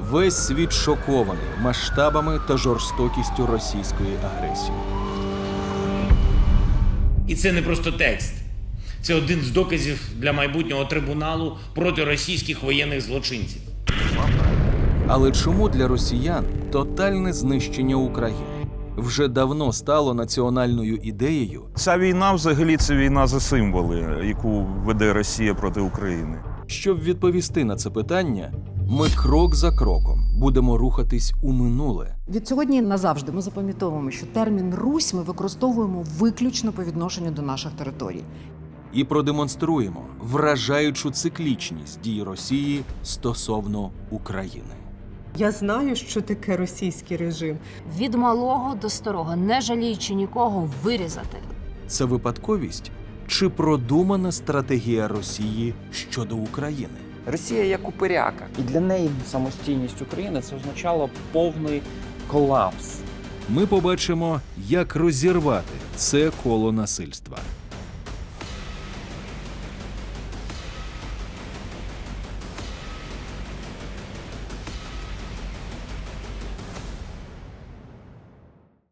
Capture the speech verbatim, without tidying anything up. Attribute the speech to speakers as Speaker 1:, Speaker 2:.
Speaker 1: Весь світ шокований масштабами та жорстокістю російської агресії.
Speaker 2: І це не просто текст. Це один з доказів для майбутнього трибуналу проти російських воєнних злочинців.
Speaker 1: Але чому для росіян тотальне знищення України вже давно стало національною ідеєю?
Speaker 3: Ця війна взагалі це війна за символи, яку веде Росія проти України.
Speaker 1: Щоб відповісти на це питання, ми крок за кроком будемо рухатись у минуле.
Speaker 4: Від сьогодні назавжди ми запам'ятовуємо, що термін «Русь» ми використовуємо виключно по відношенню до наших територій.
Speaker 1: І продемонструємо вражаючу циклічність дій Росії стосовно України.
Speaker 5: Я знаю, що таке російський режим.
Speaker 6: Від малого до старого, не жаліючи нікого, вирізати.
Speaker 1: Це випадковість чи продумана стратегія Росії щодо України?
Speaker 7: Росія як упиряка. І для неї самостійність України це означало повний колапс.
Speaker 1: Ми побачимо, як розірвати це коло насильства.